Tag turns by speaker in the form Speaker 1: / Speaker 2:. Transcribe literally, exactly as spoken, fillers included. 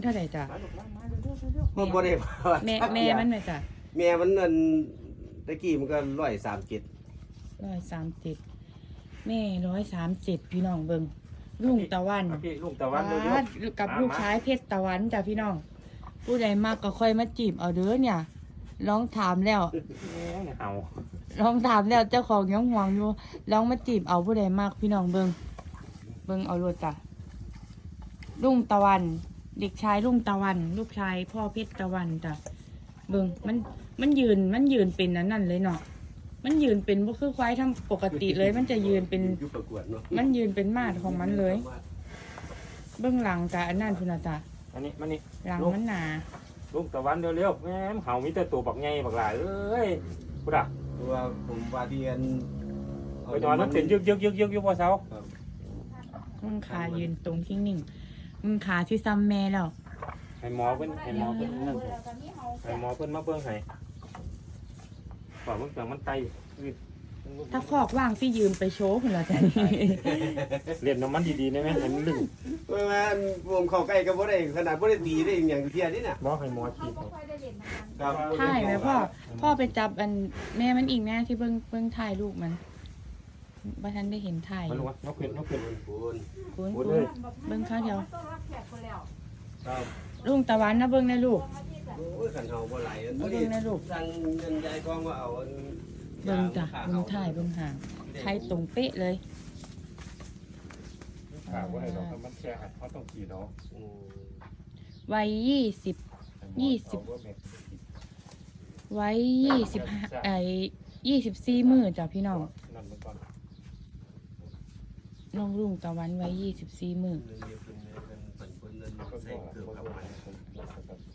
Speaker 1: เท่าไหร่จ้ะ
Speaker 2: ผมบ่ได้ว่า
Speaker 1: แม่แม่มันไหมจ้ะ
Speaker 2: แม่มันนั่นตะกี้มันก็ร้อยสามเจ็ด
Speaker 1: ร้อยสามสิบแม่ร้อยสามสิบพี่น้องเบิ่งลุงตะวัน
Speaker 3: พี่ลุงตะวันเร็ว
Speaker 1: อ่ากับลูกชายเพชรตะวันจ้ะพี่น้อง ผู้ใดมากก็ค่อยมาจีบเอาเด้อเนี่ยลองถามแล้ว
Speaker 3: ๆเอา
Speaker 1: ลองถามแล้วเจ้าของยังห่วงอยู่ลองมาจีบเอาผู้ใดมากพี่น้องเบิ่งเบิ่งเอาโลดจ้ะลุงตะวัน เด็กชายลุงตะวัน ลูกชายพ่อเพชรตะวันจ้ะเบิ่งมันมันยืนมันยืนเป็นอันนั้นเลยเนาะมันยืนเป็นบ่คือควายทำปกติเลย มันจะยืนเป็น
Speaker 2: อยู่ประกวดเนาะ
Speaker 1: มันยืนเป็นมาดของมันเลย เบื้องหลังจ้ะอันนั้นพุ่นน่ะจ้ะ
Speaker 3: อันนี้มันนี่
Speaker 1: หลังมันหนา
Speaker 3: ลุงตะวันเร็วๆแม่มเห่ามีแต่ตัวบักใหญ่บักหลายเอ้ยพุทธะ
Speaker 2: ตัวผมว่าเรียน
Speaker 3: ไปนอนมันเป็นยึกยึกยึกยึกอยู่พอเช้า
Speaker 2: ครับ
Speaker 1: มึงขายืนตรงทิ้งนิ่งมึงขาที่ซ้ำแม่แล้ว
Speaker 3: ให้หมอเพิ่นให้หมอเพิ่นนั่นให้หมอเพิ่นมาเบิ่งให้ขอเบิ่งจังมันไต
Speaker 1: ถ้าคอกว่างสิยืมไปโชว์พุ่นละจ้ะนี่
Speaker 3: เล่นน้ำมันดีๆได้ไหมให้มันลึง
Speaker 2: เมื่อวานผมเข้าใกล้ก็บ่ได้ขนาดบ่ได้ตีได้อย่างเทียนี่น่ะ
Speaker 3: บอกให้หมอฉีด
Speaker 2: ครับ
Speaker 1: ถ่ายไหมพ่อ พ่อไปจับอันแม่มันอีกแน่ที่เบิ่งเบิ่งถ่ายลูกมันบ่ทันได้เห็นถ่าย
Speaker 3: มันรู้ว่านกขึ้นนกขึ้น
Speaker 2: ปูน
Speaker 1: คุณ
Speaker 3: พู
Speaker 1: คุ
Speaker 3: ดเล
Speaker 1: ณ
Speaker 3: ย
Speaker 1: เบิ่งข้าวเดียว
Speaker 2: ครับ
Speaker 1: ลุงตะวันนะเบิ่งนะลูก
Speaker 2: โอ้ยขันเฮาบ่ไหลอัน
Speaker 1: เอาเบิ่
Speaker 2: นี้
Speaker 1: งนะลูก
Speaker 2: สั่งเงินยายกองว่าเอาอัน
Speaker 1: เบิ่งจ้ะเบิ่งถ่ายเบิ่งห่างใครตรงเป๊ะเลย
Speaker 3: ถามว่าให้เราทำมันแค่หัดเขาต้องฉีดเนาะ
Speaker 2: อืม
Speaker 1: วัยยี่สิบ ยี่สิบ ไว้ยี่สิบห้าไอ้ยี่สิบสี่มือจ้ะพี่น้อง
Speaker 3: นั่นมันก่อน
Speaker 1: น้องลุงตะวันไว้ยี่สิบสี่มือ
Speaker 2: เงินเยอะขึ้นเลยเงินปันผลเงิน
Speaker 3: ก็
Speaker 2: ใส่
Speaker 3: บอก
Speaker 2: เกือบ
Speaker 3: เขา
Speaker 2: เข้า
Speaker 3: บอก
Speaker 2: มา
Speaker 3: ผม